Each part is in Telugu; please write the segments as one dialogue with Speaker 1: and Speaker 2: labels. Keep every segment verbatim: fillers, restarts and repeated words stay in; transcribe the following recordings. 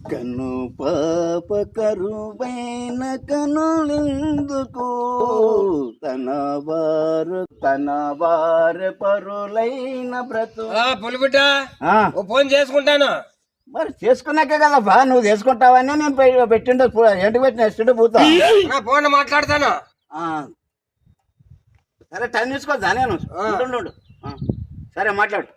Speaker 1: కను పాప కరువైన కనులెందుకు తన వారు తన వారు పరులైన బ్రతు
Speaker 2: పులిబిడ్డ ఫోన్ చేసుకుంటాను.
Speaker 1: మరి చేసుకున్నాకే కదా బా నువ్వు చేసుకుంటావని నేను పెట్టిండే ఏంటి పెట్టిన ఎస్టేట్ పోతా
Speaker 2: ఫోన్ మాట్లాడతాను.
Speaker 1: సరే టైం తీసుకోవద్దా నేను ఉండు. సరే మాట్లాడు.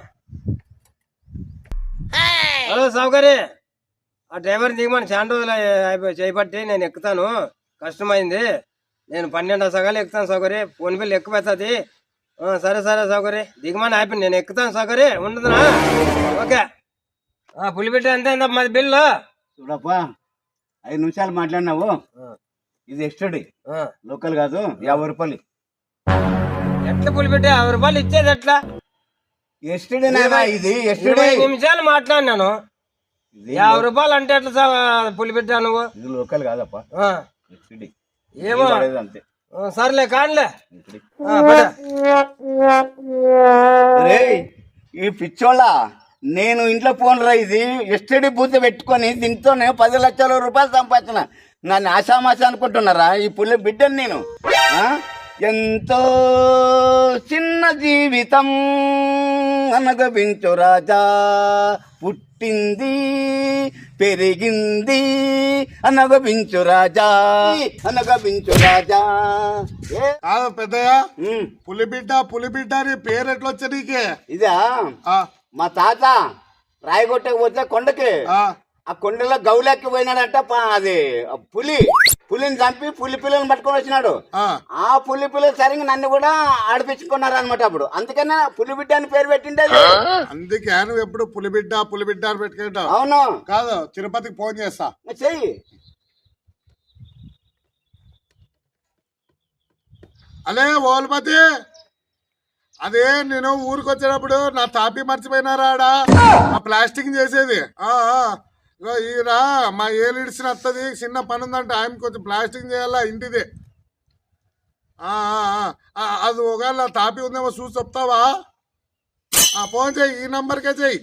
Speaker 2: హలో సౌకర్య, ఆ డ్రైవర్ దిగమని చాలా రోజులు అయిపోయి చేయబట్టి నేను ఎక్కుతాను. కష్టమైంది. నేను పన్నెండు సగాలు ఎక్కుతాను సౌకర్య. Phone bill ఎక్కువవుతుంది. సరే సరే సౌకర్య దిగమని అయిపోయింది. నేను ఎక్కుతాను సౌకర్య. ఉండదునా? ఓకే. పులిబిడ్డ ఎంత అయిందా మాది బిల్లు?
Speaker 1: చూడప్పా, ఐదు నిమిషాలు మాట్లాడినావు. ఇది ఎస్టడీ లోకల్ కాదు. యాభై రూపాయలు
Speaker 2: ఎట్లా పులిబిడ్డ? యాభై రూపాయలు ఇచ్చేది ఎట్లా?
Speaker 1: ఎస్టడీ ఇది
Speaker 2: ఇరవై నిమిషాలు మాట్లాడినాను. యాభై రూపాయలు అంటే ఎట్లా పులిబిడ్డ? నువ్వు
Speaker 1: ఇది లోకల్ కాదప్పా.
Speaker 2: ఏమో
Speaker 1: అంతే.
Speaker 2: సర్లే కానిలే.
Speaker 1: ఈ పిచ్చోళ్ళ నేను ఇంట్లో ఫోన్ రా, ఇది ఎస్టడీ బూత్ పెట్టుకొని దీంతోనే పది లక్షల రూపాయలు సంపాదించిన. నన్ను ఆశామాష అనుకుంటున్నారా? ఈ పులి బిడ్డని నేను. ఎంతో చిన్న జీవితం అనగబించు రాజా, పుట్టింది పెరిగింది అనగబించు రాజా, అనగబించు రాజా.
Speaker 3: పెద్దయ్య పులిబిడ్డ పులిబిడ్డ అని పేరు ఎట్లా వచ్చా నీకే?
Speaker 1: ఇదా మా తాత రాయగొట్టకు పోతే కొండకి, ఆ కొండలో గౌలెక్కి పోయినాడంట. అది పులి పులిని చంపి పులి పిల్లని పట్టుకొని వచ్చినాడు. ఆ పులి పిల్లలు సరిగ్గా నన్ను కూడా ఆడిపించుకున్నారు అనమాట. అప్పుడు అందుకనే పులిబిడ్డ అని పేరు పెట్టిండే.
Speaker 3: అందుకే నువ్వు ఎప్పుడు పులిబిడ్డ పులిబిడ్డ అని పెట్టుకుంటావు.
Speaker 1: అవును
Speaker 3: కాదు, తిరుపతికి ఫోన్ చేస్తా.
Speaker 1: చెయ్యి.
Speaker 3: అదే ఓల్పతి, అదే నేను ఊరికి వచ్చేటప్పుడు నా తాపి మర్చిపోయినారాడా ఆ ప్లాస్టిక్ చేసేది. ఈరా మా ఏలు ఇడిసిన వస్తుంది, చిన్న పని ఉందంటే ఆయన కొంచెం ప్లాస్టిక్ చేయాలా ఇంటిది. అది ఒకవేళ తాపి ఉందేమో చూసి చెప్తావా? ఫోన్ చెయ్యి, ఈ నంబర్కే చెయ్యి.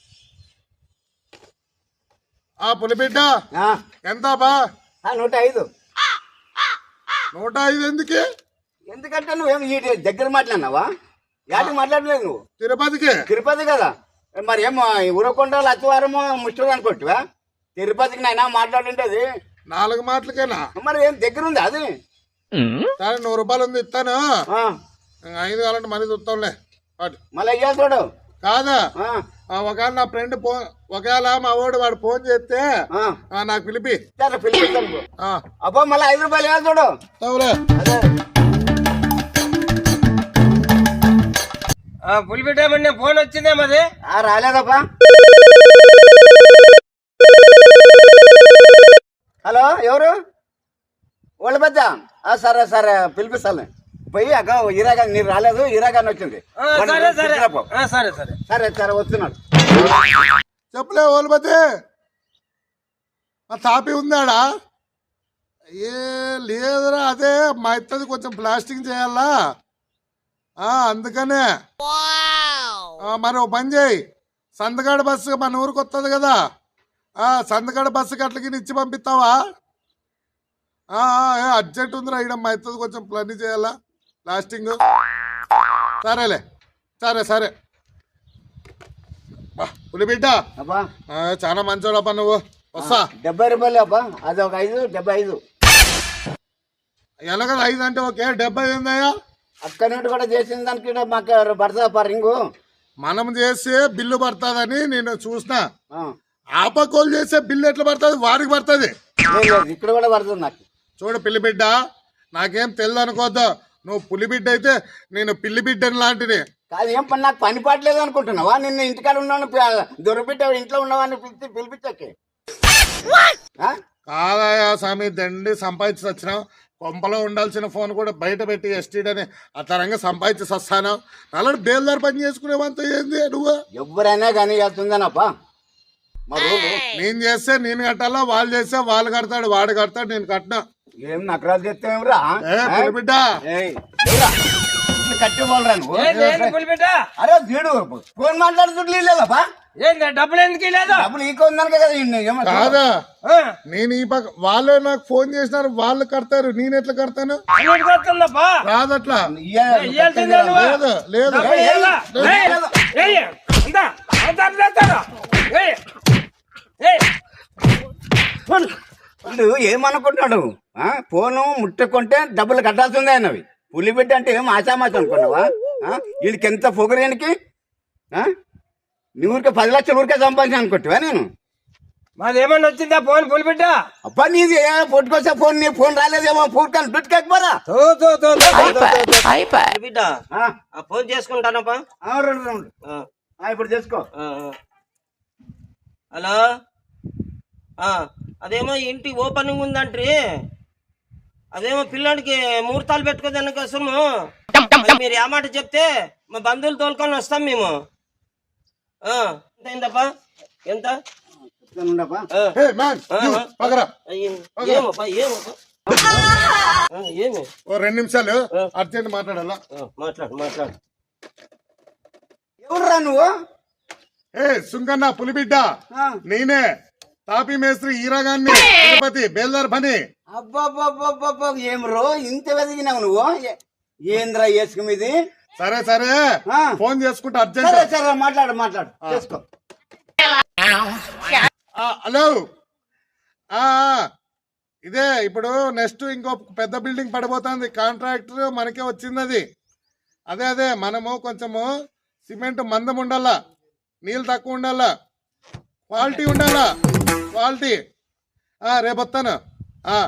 Speaker 3: ఆ పులిబిడ్డ ఎంత బా?
Speaker 1: నూట ఐదు.
Speaker 3: నూట ఐదు ఎందుకే?
Speaker 1: ఎందుకంటే నువ్వేం ఈ దగ్గర మాట్లాడినావా? యాటికి మాట్లాడలేదు నువ్వు?
Speaker 3: తిరుపతికి.
Speaker 1: తిరుపతి కదా మరి. ఏమో ఉరకొండలు అతివారమో ముష్టి అనుకోవచ్చువా? తిరుపతికి నైనా మాట్లాడుంటది
Speaker 3: నాలుగు మాటలకేనా?
Speaker 1: మరి ఏం దగ్గర ఉంది అది.
Speaker 3: సరే నూరు రూపాయలు ఉంది, ఇస్తాను. ఐదు కావాలంటే మరీ చూస్తాంలే.
Speaker 1: మళ్ళీ అయ్యా చూడు.
Speaker 3: కాదా, ఒకవేళ నా ఫ్రెండ్ ఫోన్, ఒకవేళ మా వాడు వాడు ఫోన్ చేస్తే నాకు పిలిపి
Speaker 1: పిలిపిస్తాను. అబ్బా మళ్ళీ ఐదు రూపాయలు ఇవ్వాలి చూడు.
Speaker 2: పులిబిడ్డ ఫోన్ వచ్చిందే మరి?
Speaker 1: రాలేదప్పా. హలో, ఎవరు? వాళ్ళ పెద్ద. సరే సరే పిలిపిస్తాను. పోయి అక్క ఇరాగా నీరు రాలేదు, ఇరాగాని వచ్చింది. సరే సరే సరే వస్తున్నాడు.
Speaker 3: చెప్పలే ఓల్పతి, ఆ తాపి ఉందాడా? ఏ లేదురా, అదే మా ఇత్తది కొంచెం ప్లాస్టింగ్ చేయాలా, అందుకనే. మరి ఓ పని చేయి, సందగాడ బస్సు మన ఊరికి వస్తుంది కదా, సందగాడ బస్సుకి అట్లకి ఇచ్చి పంపిస్తావా? అర్జెంట్ ఉందిరా, ఇక్కడ మా ఇత్తది కొంచెం ప్లాన్ చేయాలా ప్లాస్టింగ్. సరేలే, సరే సరే. పులిబిడ్డ చాలా మంచోడప్ప నువ్వు. వస్తా.
Speaker 1: డెబ్బై రూపాయలు అబ్బా, అది ఒక ఐదు. డెబ్బై ఐదు
Speaker 3: ఎలాగ ఐదు అంటే ఓకే, డెబ్బై ఏందయ్యా?
Speaker 1: అక్కడ నుండి కూడా చేసిన దానికి మాకు పడుతుందా రింగు?
Speaker 3: మనం చేసే బిల్లు పడుతుందని నేను చూసిన. ఆపకోలు చేసే బిల్లు ఎట్లా పడుతుంది? వారికి పడుతుంది.
Speaker 1: ఇక్కడ కూడా పడుతుంది నాకు.
Speaker 3: చూడు పిల్లిబిడ్డ, నాకేం తెలియదు అనుకోద్దు. నువ్వు పులిబిడ్డ అయితే నేను పిల్లిబిడ్డని లాంటిది
Speaker 1: కాదు. ఏం పని నాకు పని పాటలేదు అనుకుంటున్నావా? నిన్ను ఇంటికాడ ఉన్నాను దొరికిట్ట ఇంట్లో ఉన్నవాడిని పిలిచి పిలిపించకే.
Speaker 3: కాదయా స్వామి, దండి సంపాదించి వచ్చినావు. కొంపలో ఉండాల్సిన ఫోన్ కూడా బయట పెట్టి ఎస్టీడని ఆ తరంగా సంపాదించి వస్తాను. అలాంటి బేల్దారు పని చేసుకునేవంత ఏంది నువ్వు?
Speaker 1: ఎవరైనా కానీ వెళ్తుందనప్పా.
Speaker 3: నేను చేస్తే నేను కట్టాలా, వాళ్ళు చేస్తే వాళ్ళు కడతాడు, వాడు కడతాడు, నేను కట్టినా.
Speaker 1: ఏం నకరాలు చేస్తావురా
Speaker 3: బిడ్డ?
Speaker 1: కట్టి పోలరా నువ్వు? అరే వీడు ఫోన్ మాట్లాడుతుంటలేదప్పా.
Speaker 2: ఏంది డబ్బులు ఎందుకు లేదు?
Speaker 1: డబ్బులు ఈకో ఉందనుక కదా ఈయన్ని. ఏమో చూడు.
Speaker 3: కాదా
Speaker 2: ఆ,
Speaker 3: నేను ఈ పక్క వాళ్ళే నాకు ఫోన్ చేసినారు, వాళ్ళు కడతారు, నేను ఎట్లా కడతాను?
Speaker 2: అన్నిటికీ వస్తుందప్పా.
Speaker 3: రాదట్లా.
Speaker 1: ఇయ్య-
Speaker 2: ఇయ్యాల్సిందే నువ్వు.
Speaker 3: లేదు లేదు
Speaker 2: డబ్బులు ఇయ్యాలా? ఏయ్, ఏయ్, అంతా, అంతా చేస్తారా? ఏయ్, ఏయ్, ఫోన్.
Speaker 1: వీడు ఏమనుకుంటున్నాడు? ఆ, ఫోను ముట్టుకుంటే డబ్బులు కట్టాల్సిందే అన్నవి. పులిబిడ్డ అంటే ఏం ఆశామాచి అనుకున్నావా? ఆ, వీడికి ఎంత పొగరేనికి నీ ఊరికే పది లక్షలు ఊరికే సంపాదించాను అనుకుంటావా నేను?
Speaker 2: మాది ఏమన్నా వచ్చిందా ఫోన్ పులిబిడ్డ?
Speaker 1: అబ్బా నీది పొట్టుకొచ్చే ఫోన్, నీ ఫోన్ రాలేదేమో, ఫోన్ కానీ దుట్టుకెక్కిపోరా.
Speaker 2: తో, తో, తో, తో, తో, తో, తో.
Speaker 4: బిడ్డ
Speaker 1: ఆ,
Speaker 4: ఆ ఫోన్ చేసుకుంటానప్పా.
Speaker 1: ఆ, రెండు రెండు
Speaker 4: ఆ,
Speaker 1: ఆ, ఇప్పుడు చేసుకో.
Speaker 4: ఆ, ఆ. హలో ఆ, అదేమో ఇంటి ఓపెనింగ్ ఉందంట్రీ, అదేమో పిల్లాడికి ముహూర్తాలు పెట్టుకోదాని కోసము మరి మీరు ఏ మాట చెప్తే మా బంధువులు తోలుకొని వస్తాం మేము. ఆ, ఎంత అయిందప్పా? ఎంత?
Speaker 1: ఉండపా.
Speaker 4: ఆ,
Speaker 3: హే మ్యాన్ యు, పగరా.
Speaker 4: అయ్యింది. ఏమప్పా ఏమప్పా? ఆ, ఏమి
Speaker 3: ఓ రెండు నిమిషాలు అర్జెంట్ మాట్లాడాలా.
Speaker 4: ఆ, మాట్లాడు మాట్లాడు.
Speaker 1: ఎవరురా నువ్వు?
Speaker 3: ఏ సుంకన్న పులిబిడ్డ,
Speaker 1: ఆ,
Speaker 3: నేనే తాపీ మేస్త్రి ఈరాగాన్ని, తిరుపతి బేల్దార్ పని.
Speaker 1: అబ్బబ్బబ్బబ్బబ్బ, ఏం రో ఇంత వెదిగినావు నువ్వు? ఏ- ఏంద్రా వేసుకు మీది?
Speaker 3: సరే సరే
Speaker 1: ఆ.
Speaker 3: ఫోన్ చేసుకుంటా
Speaker 1: సరే
Speaker 3: అర్జెంట్.
Speaker 1: సరే మాట్లాడు మాట్లాడు చేసుకో.
Speaker 3: ఆ, హలో ఆ, ఆ, ఇదే ఇప్పుడు నెక్స్ట్ ఇంకో పెద్ద బిల్డింగ్ పడిపోతుంది, కాంట్రాక్టర్ మనకే వచ్చింది అది. అదే అదే మనము కొంచెము సిమెంట్ మందం ఉండాలా, నీళ్ళు తక్కువ ఉండాలా, క్వాలిటీ ఉండాలా, క్వాలిటీ. ఆ, రేపు వస్తాను. ఆ.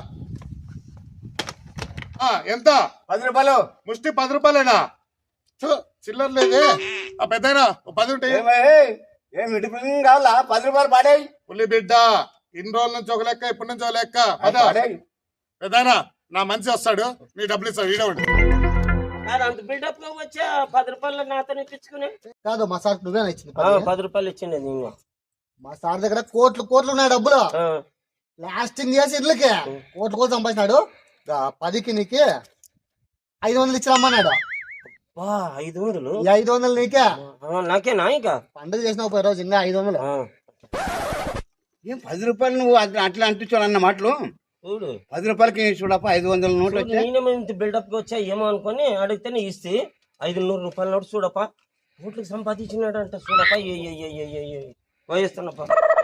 Speaker 3: ఆ, ఎంత?
Speaker 1: పది రూపాయలు.
Speaker 3: ముష్టి పది రూపాయలేనా? ఛు, చిల్లర లేదే. ఆ పెద్దయినా పది ఉంటాయి.
Speaker 1: ఏమే, ఏం ఇటుపులింగ్ కావాలా? పది రూపాయలు పాడేయి.
Speaker 3: పులి బిడ్డ, ఇన్ని రోజుల నుంచి ఒక లెక్క, ఇప్పటి నుంచి ఒక లెక్క. పద
Speaker 1: పాడేయి.
Speaker 3: పెద్దయినా నా మంచి వస్తాడు, నీ డబ్బులు ఇస్తాడు, ఈడ ఉండు.
Speaker 4: అది అంత బిల్డప్ లో వచ్చా పది రూపాయలు నాతో ఇప్పించుకుని.
Speaker 5: కాదు మా సార్ నువ్వేనా ఇచ్చింది
Speaker 4: ఆ,
Speaker 5: పది?
Speaker 4: పది రూపాయలు ఇచ్చిండే నేను.
Speaker 5: మా సార్ దగ్గర కోట్లు కోట్లు ఉన్నాయి డబ్బులు,
Speaker 4: ఆ,
Speaker 5: లాస్టింగ్ చేసి ఇళ్ళకి కోట్లు కోట్లు సంపాదించినాడు. గా పదికి నీకి ఐదు వందలు ఇచ్చి రమ్మన్నాడు.
Speaker 4: వా, ఐదు వందలు
Speaker 5: ఈ ఐదు వందలు నీకే
Speaker 4: ఆ, నాకేనా ఇంకా?
Speaker 5: పండుగ చేసిన ఒక రోజు ఇంకా ఐదు వందలు.
Speaker 4: ఆ,
Speaker 1: ఏం పది రూపాయలు నువ్వు అట్లా అట్లా అంటించావు అన్న మాటలు?
Speaker 4: చూడు
Speaker 1: పది రూపాయలకి చూడప్ప ఐదు వందల నోట్లు
Speaker 4: చూడు,
Speaker 1: వచ్చాయి.
Speaker 4: నేనేమో ఇంత బిల్డప్ గా వచ్చా ఏమో అనుకొని అడిగితేనే ఇస్తే ఐదు నూరు రూపాయల నోటు చూడప్ప కోట్లకు సంపాదించినాడు అంట. చూడప్ప ఏ ఏ ఏ ఏ ఏ ఏ వయస్తున్నప్ప.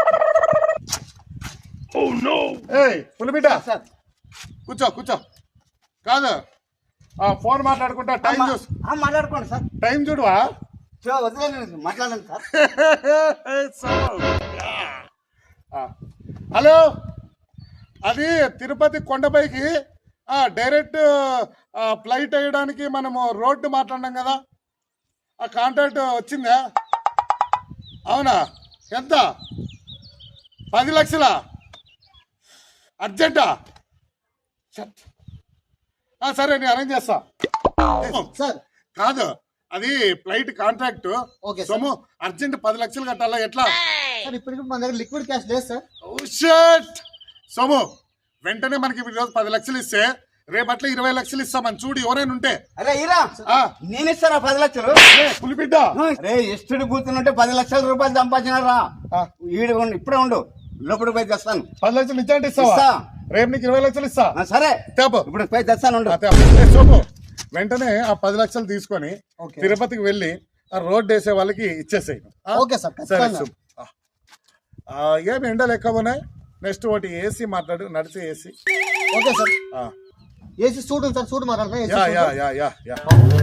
Speaker 3: ఏయ్ పులి బిడ్డ,
Speaker 1: సార్
Speaker 3: కూర్చో కూర్చో. కాదు ఆ ఫోన్ మాట్లాడుకుంటా టైం చూసు,
Speaker 1: ఆ, మాట్లాడుకోండి సార్.
Speaker 3: టైం చూడువా.
Speaker 1: చూ, వదిలేండి మాట్లాడండి సార్.
Speaker 3: ఆ, హలో, అది తిరుపతి కొండపైకి ఆ, డైరెక్ట్ ఆ, ఫ్లైట్ వేయడానికి మనము రోడ్డు మాట్లాడినాం కదా, ఆ కాంట్రాక్ట్ వచ్చిందా? అవునా? ఎంత? పది లక్షలా? అర్జెంటా? షట్. ఆ, సరే నేను అరేంజ్ చేస్తా.
Speaker 5: సార్
Speaker 3: కాదు, అది ఫ్లైట్ కాంట్రాక్ట్
Speaker 5: ఓకే సార్.
Speaker 3: సొమ్ము అర్జెంట్ పది లక్షలు కట్టాలా ఎట్లా?
Speaker 5: సార్ ఇప్పటికి మన దగ్గర లిక్విడ్ క్యాష్ లేదు సార్.
Speaker 3: Oh, shit! సోము వెంటనే మనకి ఈ రోజు పది లక్షలు ఇస్తే రేపట్ల ఇరవై లక్షలు ఇస్తామని చూడు ఎవరైనా ఉంటే.
Speaker 1: అరే ఈరా,
Speaker 3: ఆ,
Speaker 1: నేను ఇస్తారా పది లక్షలు?
Speaker 3: ఏ, పులిబిడ్డ
Speaker 1: అరే ఇష్టడు కూర్చుంటే పది లక్షల రూపాయలు సంపాదించినారా?
Speaker 3: ఆ,
Speaker 1: ఈడు ఉండు, ఇప్పుడే ఉండు, లోపలికి పోయి తెస్తాను.
Speaker 3: పది లక్షలు ఇచ్చాంటే ఇస్తావా?
Speaker 1: ఇస్తా.
Speaker 3: రేపు నీకు ఇరవై లక్షలు ఇస్తా.
Speaker 1: ఆ, సరే
Speaker 3: తేపో.
Speaker 1: ఇప్పుడు పోయి తెస్తాను ఉండు.
Speaker 3: ఆ, తేపో. ఏ, సోము వెంటనే ఆ పది లక్షలు తీసుకొని
Speaker 5: ఓకే.
Speaker 3: తిరుపతికి వెళ్ళి ఆ రోడ్ వేసే వాళ్ళకి ఇచ్చేసేయి. ఆ?
Speaker 5: ఓకే సార్,
Speaker 3: సరే
Speaker 5: ఖచ్చితంగా.
Speaker 3: సూప్. ఆ. ఆ, ఏమి ఎండలు ఎక్కువ ఉన్నాయి. నెక్స్ట్ ఒకటి ఏసీ మాట్లాడు, నడిచే ఏసీ.
Speaker 5: ఓకే సార్,
Speaker 3: ఆ,
Speaker 5: ఏసీ సూట్ ఉంది సార్, సూట్ మాట్లాడతా.
Speaker 3: Yeah yeah yeah yeah yeah.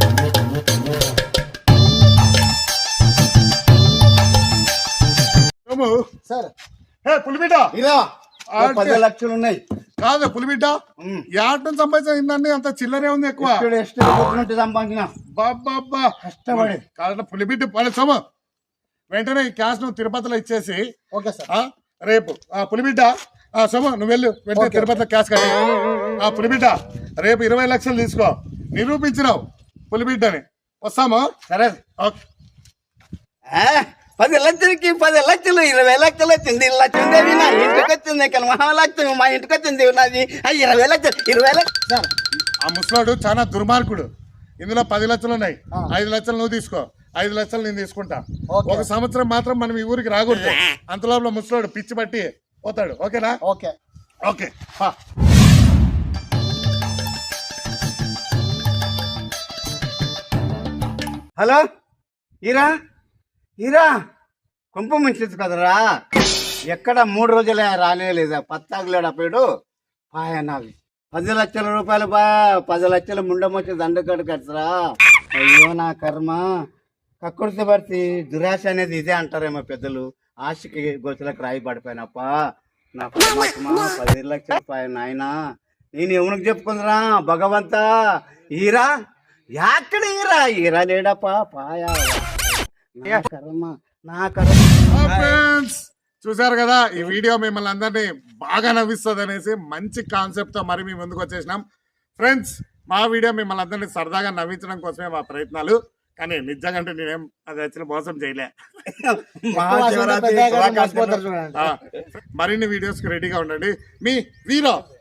Speaker 3: Somu,
Speaker 5: sir
Speaker 3: hey పులిబిడ్డ,
Speaker 1: ఈరా, ఓ
Speaker 3: అంటే-
Speaker 1: పది లక్షలు ఉన్నాయి.
Speaker 3: కాదు పులిబిడ్డ,
Speaker 1: ఉమ్.
Speaker 3: యాటం సంపాదించిందండి అంత చిల్లరే ఉంది ఎక్కువ.
Speaker 1: ఇష్టడు ఇష్టడు కూర్చుంటే సంపాదించిన
Speaker 3: బాబ్బా
Speaker 1: కష్టపడి.
Speaker 3: కాదు పులిబిడ్డ పడే సోము వెంటనే ఈ క్యాష్ నువ్వు తిరుపతిలో ఇచ్చేసి
Speaker 5: ఓకే సార్.
Speaker 3: ఆ, రేపు ఆ పులిబిడ్డ ఆ సోము నువ్వు వెళ్ళు వెంటనే
Speaker 5: ఓకే.
Speaker 3: తిరుపతిలో క్యాష్ కట్టి ఆ పులిబిడ్డ రేపు ఇరవై లక్షలు తీసుకో. నిరూపించినావు పులిబిడ్డని. వస్తాము.
Speaker 1: సరే.
Speaker 3: ఓకే.
Speaker 1: ఆ, పది లక్షలకి పది లక్షలు ఇరవై లక్షలు వచ్చింది. లక్షందేవి నా ఇంటికి వచ్చింది, ఇక్కడ మహాలక్ష్మి మా ఇంటికి వచ్చింది నాది. ఆ, ఇరవై లక్షలు ఇరవై లక్షలు
Speaker 5: సార్
Speaker 3: ఆ ముసలాడు చాలా దుర్మార్గుడు. ఇందులో పది లక్షలు ఉన్నాయి,
Speaker 5: ఆ.
Speaker 3: ఐదు లక్షలు నువ్వు తీసుకో, ఐదు లక్షలు నేను తీసుకుంటా.
Speaker 5: ఓకే.
Speaker 3: ఒక సంవత్సరం మాత్రం మనం ఈ ఊరికి రాకూడదు. అంతలోపల ముసలోడు పిచ్చి పట్టి పోతాడు. ఓకేనా?
Speaker 5: ఓకే.
Speaker 3: ఓకే. పా.
Speaker 1: హలో ఈరా ఈరా కుంప ముంచచ్చు కదరా, ఎక్కడ మూడు రోజులే రానేలేదా, పత్తాగులేడు అప్పుడు పాయ నావి పది లక్షల రూపాయలు బా పది లక్షల ముండమొచ్చి దండకడు కట్టరా. అయ్యో నా కర్మ, కక్కుర్తి పడితే దురాశ అనేది ఇదే అంటారేమో పెద్దలు. ఆశకి గొంతులకు రాయి పడిపోయినప్ప నా పరమాత్మ పది లక్షల రూపాయలు నాయనా, నేను ఎవరికి చెప్పుకుందిరా భగవంతా. ఈరా ఎక్కడ ఈరా ఈరా లేడప్పా పాయా నా కర్మ నా కర్మ.
Speaker 3: ఫ్రెండ్స్ చూసారు కదా, ఈ వీడియో మిమ్మల్ని అందరినీ బాగా నవ్విస్తుంది అనేసి మంచి కాన్సెప్ట్ తో మరి మీ ముందుకు వచ్చేసినాం. ఫ్రెండ్స్ మా వీడియో మిమ్మల్ని అందరినీ సరదాగా నవ్వించడం కోసమే మా ప్రయత్నాలు, కానీ నిజంగా నేనేం అది వచ్చిన మోసం చేయలే.
Speaker 1: మహాశివరాత్రి శుభాకాంక్షలు.
Speaker 5: మర్చిపోతారు చూడండి.
Speaker 3: ఆ, మరిన్ని వీడియోస్ కి రెడీగా ఉండండి. మీ వీరో